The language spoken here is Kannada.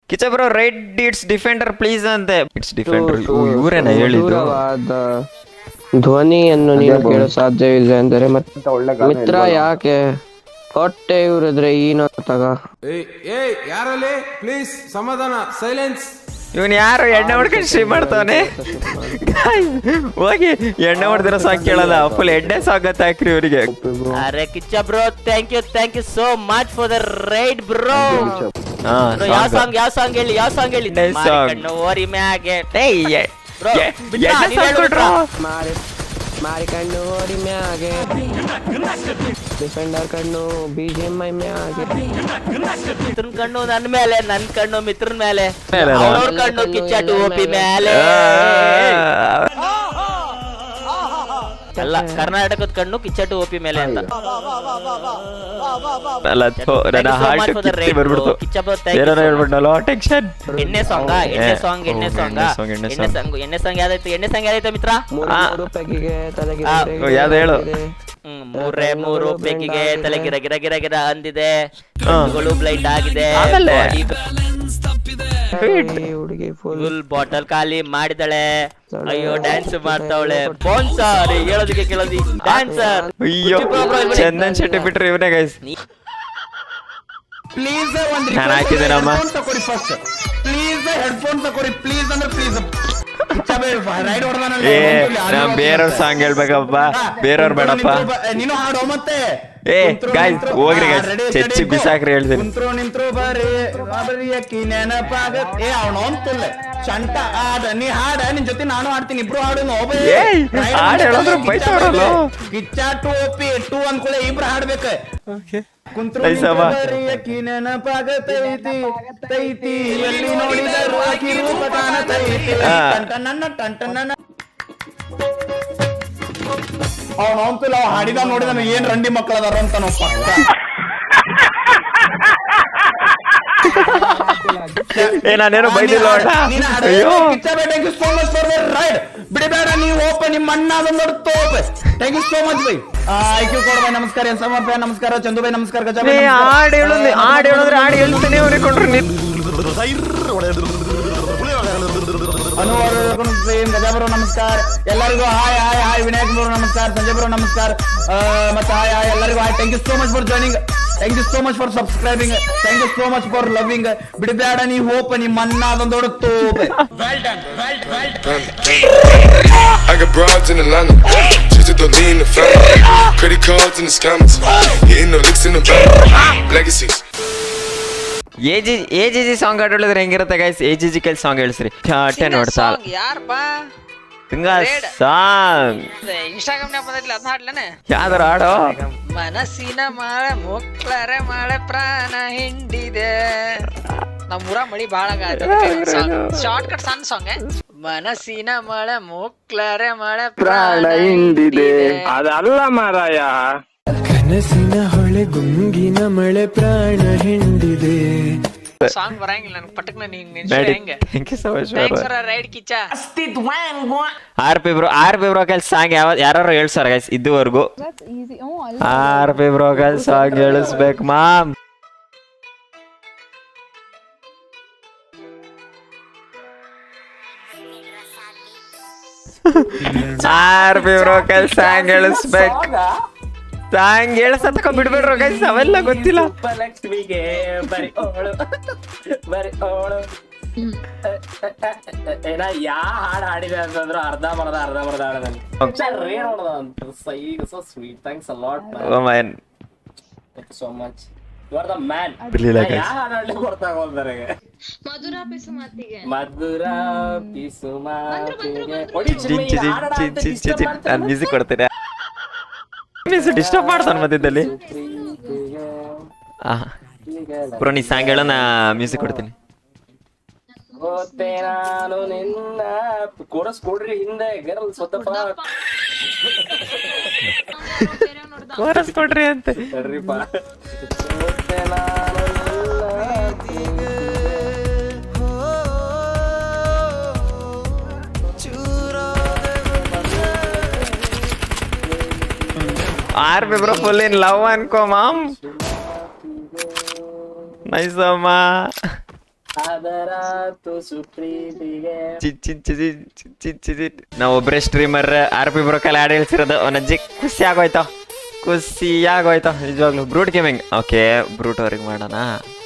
Kichcha bro right it's defender please ಅಂತೆ. ಇಟ್ಸ್ ಡಿಫೆಂಡರ್ ಇವರೇನ ಹೇಳಿದ್ದು? ಧ್ವನಿಯನ್ನು ನೀನು ಕೇಳೋ ಸಾಧ್ಯವಿಲ್ಲ ಎಂದರೆ ಮಿತ್ರ ಯಾಕೆ ಹೊಟ್ಟೆ ಇವ್ರಿದ್ರೆ ಏನೋ ತಗ. ಯಾರಲ್ಲಿ ಪ್ಲೀಸ್ ಸಮಾಧಾನ, ಸೈಲೆನ್ಸ್. ಇವನ್ ಯಾರು ಎಣ್ಣೆ ಹೊಡ್ಕೊಂಡು ಸ್ಟ್ರೀಮ್ ಮಾಡ್ತಾನೆ? ಹೋಗಿ ಎಣ್ಣೆ ಹೊಡೆದಿರೋ ಸಾಂಗ್ ಕೇಳಲ್ಲ, ಫುಲ್ ಎಣ್ಣೆ ಸಾಂಗ್ ಅಂತ ಹಾಕ್ರಿ ಇವರಿಗೆ. ಅರೆ Kichcha bro thank you so much for the ride bro. ಯಾವ ಸಾಂಗ್ ಹೇಳಿ ಕಣ್ಣು ಓರಿ ಮ್ಯಾಗೆ ಮಾರಿ ಕಣ್ಣು ಓಡಿ ಮ್ಯಾಗೆ ಡಿಫೆಂಡರ್ ಕಣ್ಣು BGMI ಮ್ಯಾಗೆ ಮಿತ್ರನ್ ಕಣ್ಣು ನನ್ ಮೇಲೆ, ನನ್ ಕಣ್ಣು ಮಿತ್ರನ್ ಮೇಲೆ, ಅವ್ರ ಕಣ್ಣು ಕಿಚ್ಚ ಟೋಪಿ ಮೇಲೆ. ಅಲ್ಲ ಕರ್ನಾಟಕದ ಕಣ್ಣು ಕಿಚ್ಚ ಟೋಪಿ ಮೇಲೆ ಅಂತ. ಎಣ್ಣೆ ಸಾಂಗ್ ಯಾವ್ದಾಯ್ತು ಮಿತ್ರ? ಯಾವ್ದು ಹೇಳು? ಮೂರು ಪೆಕ್ಕಿಗೆ ತಲೆ ಗಿರ ಗಿರ ಗಿರ ಗಿರ ಅಂದಿದೆ, ಬ್ಲೈಂಡ್ ಆಗಿದೆ, ಹುಡುಗಿ ಫುಲ್ ಬಾಟಲ್ ಖಾಲಿ ಮಾಡಿದಳೆ. ಅಯ್ಯೋ ಡ್ಯಾನ್ಸ್ ಮಾಡ್ತಾವಳೆ. ಸ್ಪಾನ್ಸರ್ ಹೇಳೋದಕ್ಕೆ ಕೇಳೋದಿ ಡ್ಯಾನ್ಸರ್. ಅಯ್ಯೋ ಚಂದನ್ ಶೆಟ್ಟಿ ಬಿಟ್ರೆ ಇವನೇ ಗೈಸ್. ಪ್ಲೀಸ್ ನಾನು ಹಾಕಿದ್ದೇನಮ್ಮ. ಪ್ಲೀಸ್ ಹೆಡ್ಫೋನ್ ತಗೋರಿ ಪ್ಲೀಸ್ ಅಂದ್ರೆ ಪ್ಲೀಸ್. ನಾವ್ ಬೇರೆಯವ್ರ ಸಾಂಗ್ ಹೇಳ್ಬೇಕಪ್ಪ, ಬೇರೆಯವ್ರ ಬೇಡಪ್ಪ. ನೀನು ಹಾಡೋ ಮತ್ತೆ. ಗಾಯ್ಸ್ ಹೋಗ್ರಿ ಗಾಯ್ಸ್, ಚಚ್ಚಿ ಬಿಸಾಕ್ರಿ ಹೇಳ್ತೀನಿ. ನಿಂತ್ರು ಬರ್ರಿ ಅಕ್ಕಿ ನೆನಪಾಗತ್ತೆ. ಅವನೊಂತಿಲ್ಲ ಚಂಟ ಆಡ, ನೀ ಹಾಡ, ನಿನ್ ಜೊತೆ ನಾನು ಹಾಡ್ತೀನಿ, ಇಬ್ರು ಹಾಡು. ಹಾಡ್ ಹೇಳಿದ್ರು ಬೈತಾವ್ರಲ್ಲ. ಕಿಚ್ಚ ಟೋಪಿ ಟೂ ಅಂದ್ಕೊಳ್ಳೆ ಇಬ್ರು ಹಾಡ್ಬೇಕ. ಕುಂತ್ರು ಅಕ್ಕಿ ನೆನಪಾಗತೈತಿ ತೈತಿ, ಎಲ್ಲಿ ನೋಡಿದರು ಅಕ್ಕಿ ರೂಪ ಕಾಣತೈತಿ. ಟಂಟನ್ನ ಅವನಂತೂ ಹಾಡಿದ ನೋಡಿದ ಏನ್ ರಂಡಿ ಮಕ್ಕಳದಾರ ಅಂತ ನಾವು ಪಕ್ಕ. ನಾನೇನು ಬೈದಿಲ್ಲ. ಬಿಡಬೇಡ ನೀವು ಓಪನ್ ನಿಮ್ಮ ಅಣ್ಣ ಅದೊಂದು ತೋಪ. Thank you so much bye. ಐಕ್ಯೂ ಕೊಡ ಬೈ, ನಮಸ್ಕಾರ. ಎನ್ ಸಮರ್ಪ ನಮಸ್ಕಾರ, ಚಂದು ಬೈ ನಮಸ್ಕಾರ, ಗಜ ಬೈ ಹಾಡು ಹೇಳಿದ್ರೆ ಹಾಡು ಹೇಳ್ತಾನೆ ಅವ್ರಿಕೊಂಡ್ರು ಗಜಾಬರು ನಮಸ್ಕಾರ. ಎಲ್ಲರಿಗೂ ಹಾಯ್ ಹಾಯ್ ಹಾಯ್. ವಿನಾಯಕ್ ಬರು ನಮಸ್ಕಾರ, ಸಂಜಯ್ ಬರು ನಮಸ್ಕಾರ, ಮತ್ತೆ ಹಾಯ್ ಹಾಯ್ ಎಲ್ಲರಿಗೂ hi. Thank you so much for joining, thank you so much for subscribing, thank you so much for loving. ಬಿಡಬೇಡ ನೀ ಹೋಪ ನಿಮ್ಮ ಅನ್ನ ಅದೊಂದು ದೊಡ್ಡ. I got broads in Atlanta, just to lean the family, credit cards in the scammers, hitting the licks in the bank, legacies. AGG song ಹಾಡು ಹೇಳಿದ್ರೆ ಹೆಂಗಿರುತ್ತೆ ಗೈಸ್? AGG ಕೈಲಿ ಸಾಂಗ್ ಹೇಳಿಸ್ರಿ. ಚಾಟೆ ನೋಡ್ತಾ ಸಾಂಗ್ ಇನ್ಸ್ಟಾಗ್ರಾಮ್ ಬಂದಿಲ್ಲ, ಅದನ್ನ ಹಾಡ್ಲೇನೆ. ಯಾವ್ದಾರ ಹಾಡು? ಮನಸ್ಸಿನ ಮಳೆ ಮುಕ್ಳರೆ ಮಳೆ ಪ್ರಾಣ ಹಿಂಡಿದೆ. ನಮ್ಮೂರ ಮಳಿ ಬಾಳ ಶಾರ್ಟ್ ಕಟ್ ಸಣ್ಣ ಸಾಂಗ್. ಮನಸ್ಸಿನ ಮಳೆ ಮುಕ್ಳರೆ ಮಳೆ ಪ್ರಾಣ ಹಿಂಡಿದೆ. ಅದಲ್ಲ ಮಾರಾಯ. ಕನಸಿನ ಹೊಳೆ ಗುಂಗಿನ ಮಳೆ ಪ್ರಾಣ ಹಿಂಡಿದೆ. ಸಾಂಗ್ ಬರಂಗಿಲ್ಲ ನನ್ಗೆ ಪಟಕ್ನ ರೈಡ್ ಕಿಚ್ಚ. RP ಬ್ರೋ ಕೈಲಿ ಸಾಂಗ್ ಯಾರು ಹೇಳ್ಸಾರ ಗೈಸ್ ಇದುವರೆಗೂ? RP ಬ್ರೋ ಕೈಲಿ ಸಾಂಗ್ ಹೇಳಿಸ್ಬೇಕು ಮಾಮ್. RP ಬ್ರೋ ಕೈಲಿ ಸಾಂಗ್ ಹೇಳಿಸ್ಬೇಕು. ಸಾಂಗ್ ಹೇಳಸತಕ ಬಿಡ್ಬೇಡ್ರ ಗೈಸ್, ಅವೆಲ್ಲ ಗೊತ್ತಿಲ್ಲ. ಲಕ್ಷ್ಮಿಗೆ ಬರಿ ಓಳು ಬರಿ ಓಳು ಏನ ಯಾ ಹಾಡು ಹಾಡಿದೆ ಅಂತಂದ್ರು ಅರ್ಧ ಮರ್ದ ಹಾಡದಲ್ಲಿ sweet. Thanks a lot man, thank you so much. You are the man. ಯಾ ಹಾಡು ಹಾಡ್ಲಿಕ್ಕೆ ಬರ್ತಾ ಹೋದ್ರೆ ಮಧುರ ಪಿಸು ಮಾತಿಗೆ ನಾನು ಮ್ಯೂಸಿಕ್ ಕೊಡ್ತೇನೆ. ಡಿಸ್ಟರ್ಬ್ ಮಾಡ್ತಾನ ಮಧ್ಯದಲ್ಲಿ. ಬ್ರೋ ನೀ ಸಾಂಗ್ ಹೇಳೋ, ನಾ ಮ್ಯೂಸಿಕ್ ಕೊಡ್ತೀನಿ. ನಾನು ನಿನ್ನ ಕೋರಸ್ ಕೊಡ್ರಿ ಹಿಂದೆ ಗರ್ಲ್ ಸ್ವತಃ ಕೋರಸ್ ಕೊಡ್ರಿ ಅಂತ ಸರಿಪಾ. RP bro full in love ಅನ್ಕೋ ಮಾಮ್. ನೈಸ್ ಅಮ್ಮ. ಆದರೆ ನಾವ್ ಒಬ್ರೇ ಸ್ಟ್ರೀಮರ್ ಆರ್ ಪಿ ಬ್ರೋಕಲ್ ಆಡ್ ಹೇಳ್ಸಿರೋದು ಅವನಜ್ಜಿ ಖುಷಿ ಆಗೋಯ್ತು ನಿಜವಾಗ್ಲು. ಬ್ರೂಟ್ ಗೇಮಿಂಗ್ ಓಕೆ ಬ್ರೂಟ್ ಅವ್ರಿಗೆ ಮಾಡೋಣ.